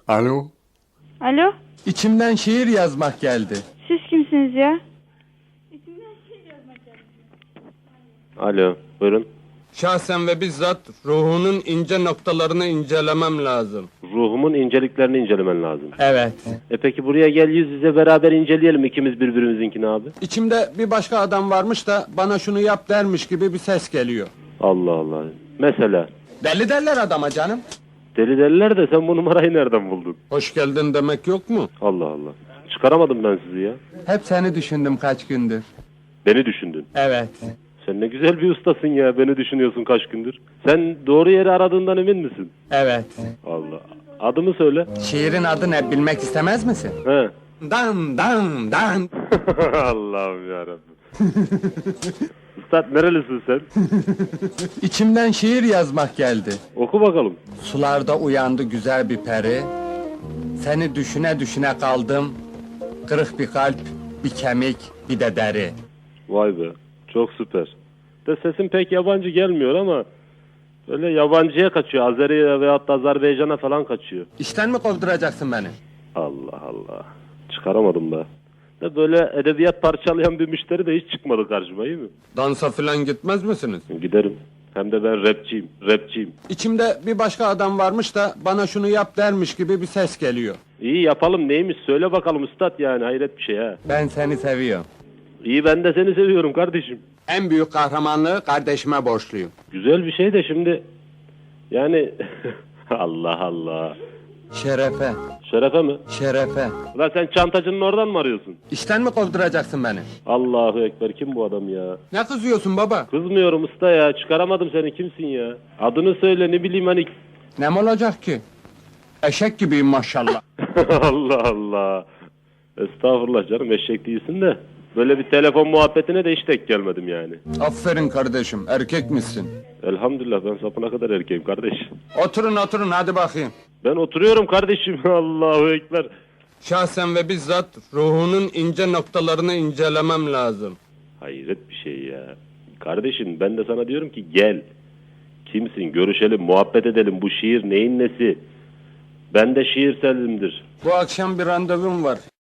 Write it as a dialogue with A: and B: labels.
A: Alo?
B: Alo,
A: İçimden şiir yazmak geldi.
B: siz kimsiniz ya?
C: Alo, buyurun.
A: Şahsen ve bizzat ruhunun ince noktalarını incelemem lazım.
C: Ruhumun inceliklerini incelemen lazım.
A: Evet.
C: Peki buraya gel, yüz yüze beraber inceleyelim ikimiz birbirimizinkini abi.
A: İçimde bir başka adam varmış da bana şunu yap dermiş gibi bir ses geliyor.
C: Allah Allah. Mesela.
A: Deli derler adama canım.
C: Deli derler de sen bu numarayı nereden buldun?
A: Hoş geldin demek yok mu?
C: Allah Allah. Çıkaramadım ben sizi ya.
A: Hep seni düşündüm kaç gündür.
C: Beni düşündün.
A: Evet.
C: Sen ne güzel bir ustasın ya. Beni düşünüyorsun kaç gündür. Sen doğru yeri aradığından emin misin?
A: Evet.
C: Allah. Adımı söyle.
A: Şiirin adı ne bilmek istemez misin?
C: He.
A: Dan dan dan.
C: Allah'ım yarabbim. Üstad nerelisin sen?
A: İçimden şiir yazmak geldi.
C: Oku bakalım.
A: Sularda uyandı güzel bir peri. Seni düşüne düşüne kaldım. Kırık bir kalp, bir kemik, bir de deri.
C: Vay be. Çok süper. De sesin pek yabancı gelmiyor ama böyle yabancıya kaçıyor. Azeri'ye veyahut da Azerbaycan'a falan kaçıyor.
A: İşten mi kovduracaksın beni?
C: Allah Allah. Çıkaramadım da. De böyle edebiyat parçalayan bir müşteri de hiç çıkmadı karşıma, iyi mi?
A: Dansa filan gitmez misiniz?
C: Giderim. Hem de ben rapçiyim. Rapçiyim.
A: İçimde bir başka adam varmış da bana şunu yap dermiş gibi bir ses geliyor.
C: İyi yapalım, neymiş söyle bakalım üstad, yani hayret bir şey ha.
A: Ben seni seviyorum.
C: İyi, ben de seni seviyorum kardeşim.
A: En büyük kahramanlığı kardeşime borçluyum.
C: Güzel bir şey de şimdi yani Allah Allah.
A: Şerefe,
C: Şerefe mi?
A: şerefe.
C: Ulan sen çantacının oradan mı arıyorsun?
A: İşten mi kovduracaksın beni?
C: Allahu Ekber, kim bu adam ya?
A: Ne kızıyorsun baba?
C: Kızmıyorum usta ya, çıkaramadım seni, kimsin ya? Adını söyle, ne bileyim hani.
A: Ne mi olacak ki? Eşek gibiyim maşallah.
C: Allah Allah. Estağfurullah canım, eşek değilsin de. Böyle bir telefon muhabbetine de hiç denk gelmedim yani.
A: Aferin kardeşim, erkek misin?
C: Elhamdülillah, ben sapına kadar erkeğim kardeş.
A: Oturun oturun hadi bakayım.
C: Ben oturuyorum kardeşim. Allahu Ekber.
A: Şahsen ve bizzat ruhunun ince noktalarını incelemem lazım.
C: Hayret bir şey ya. Kardeşim ben de sana diyorum ki gel. Kimsin, görüşelim, muhabbet edelim. Bu şiir neyin nesi? Ben de şiirselimdir.
A: Bu akşam bir randevum var.